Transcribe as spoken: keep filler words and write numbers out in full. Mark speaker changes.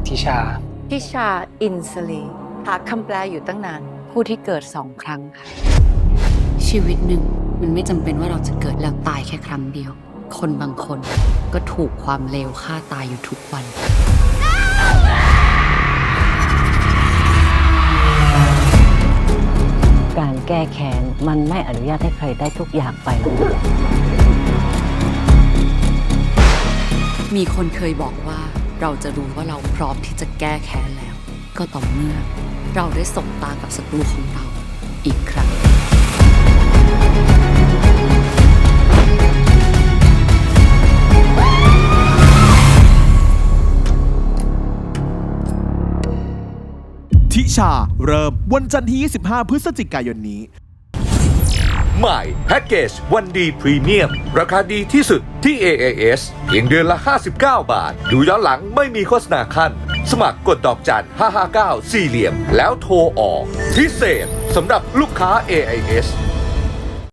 Speaker 1: ทิชา
Speaker 2: ทิชาอินสลีหาคำแปลอยู่ตั้งนานผู้ที่เกิดสองครั้งค่ะ
Speaker 3: ชีวิตหนึ่งมันไม่จำเป็นว่าเราจะเกิดแล้วตายแค่ครั้งเดียว คนบางคนก็ถูกความเลวฆ่าตายอยู่ทุกวัน
Speaker 4: การแก้แค้นมันไม่อนุญาตให้ใครได้ทุกอย่างไปหรอก
Speaker 3: มีคนเคยบอกว่าเราจะรู้ว่าเราพร้อมที่จะแก้แค้นแล้ว ก็ต่อเมื่อเราได้สบตากับศัตรูของเราอีกครั้ง
Speaker 5: ทิชาเริ่มวันจันทร์ที่ ยี่สิบห้า พฤศจิกายนนี้
Speaker 6: ใหม่แพ็กเกจวันดีพรีเมียมราคาดีที่สุดที่ เอ เอ เอส เพียงเดือนละ ห้าสิบเก้า บาท ดูย้อนหลังไม่มีโฆษณาขั้น สมัครกดดอกจันห้าห้าเก้า สี่เหลี่ยม แล้วโทรออก พิเศษสำหรับลูกค้า เอ เอ เอส